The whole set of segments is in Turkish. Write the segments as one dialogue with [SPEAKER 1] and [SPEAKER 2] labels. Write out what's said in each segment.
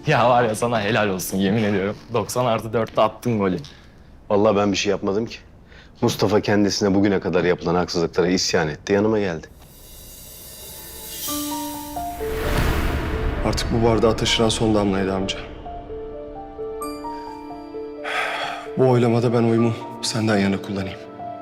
[SPEAKER 1] Ya var ya sana helal olsun yemin ediyorum. 90+4'te attın golü.
[SPEAKER 2] Vallahi ben bir şey yapmadım ki. Mustafa kendisine bugüne kadar yapılan haksızlıklara isyan etti, yanıma geldi.
[SPEAKER 3] Artık bu bardağı taşıran son damlaydı amca. Bu oylamada ben oyumu senden yana kullanayım.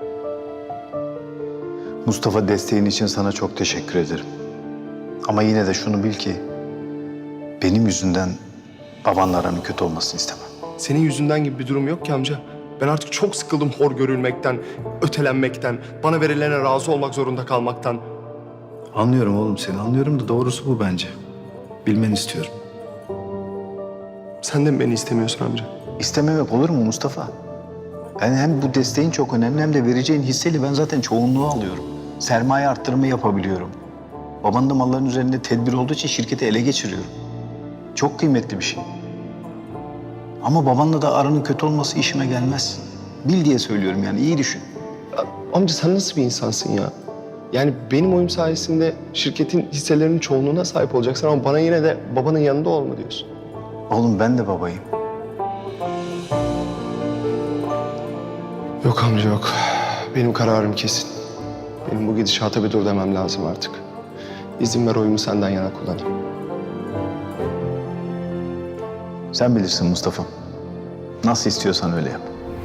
[SPEAKER 4] Mustafa, desteğin için sana çok teşekkür ederim. Ama yine de şunu bil ki benim yüzümden babanla aranın kötü olmasını istemem.
[SPEAKER 3] Senin yüzünden gibi bir durum yok ki amca. Ben artık çok sıkıldım hor görülmekten, ötelenmekten, bana verilene razı olmak zorunda kalmaktan.
[SPEAKER 4] Anlıyorum oğlum seni, anlıyorum da doğrusu bu bence. Bilmeni istiyorum.
[SPEAKER 3] Sen de mi beni istemiyorsun amca?
[SPEAKER 4] İstememek olur mu Mustafa? Yani hem bu desteğin çok önemli hem de vereceğin hisseyle ben zaten çoğunluğu alıyorum. Sermaye arttırımı yapabiliyorum. Babanın da malların üzerinde tedbir olduğu için şirketi ele geçiriyorum. Çok kıymetli bir şey. Ama babanla da aranın kötü olması işime gelmez. Bil diye söylüyorum yani, iyi düşün.
[SPEAKER 3] Amca sen nasıl bir insansın ya? Yani benim oyum sayesinde şirketin hisselerinin çoğunluğuna sahip olacaksın ama bana yine de babanın yanında olma diyorsun.
[SPEAKER 4] Oğlum ben de babayım.
[SPEAKER 3] Yok amca yok. Benim kararım kesin. Benim bu gidişata bir dur demem lazım artık. İzin ver oyumu senden yana kullanayım.
[SPEAKER 4] Sen bilirsin Mustafa. Nasıl istiyorsan öyle yap.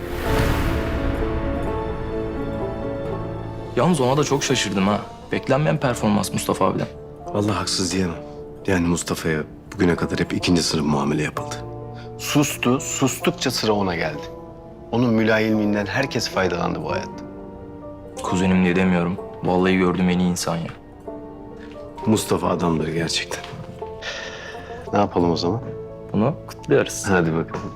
[SPEAKER 1] Yalnız ona da çok şaşırdım ha. Beklenmeyen performans Mustafa abiden.
[SPEAKER 2] Vallahi haksız diyemem. Yani Mustafa'ya bugüne kadar hep ikinci sınıf muamele yapıldı. Sustu, sustukça sıra ona geldi. Onun mülayimliğinden herkes faydalandı bu hayatta.
[SPEAKER 1] Kuzenim diye demiyorum. Vallahi gördüğüm en iyi insan ya.
[SPEAKER 2] Mustafa adamdır gerçekten. Ne yapalım o zaman?
[SPEAKER 1] Bunu kutluyoruz.
[SPEAKER 2] Hadi bakalım.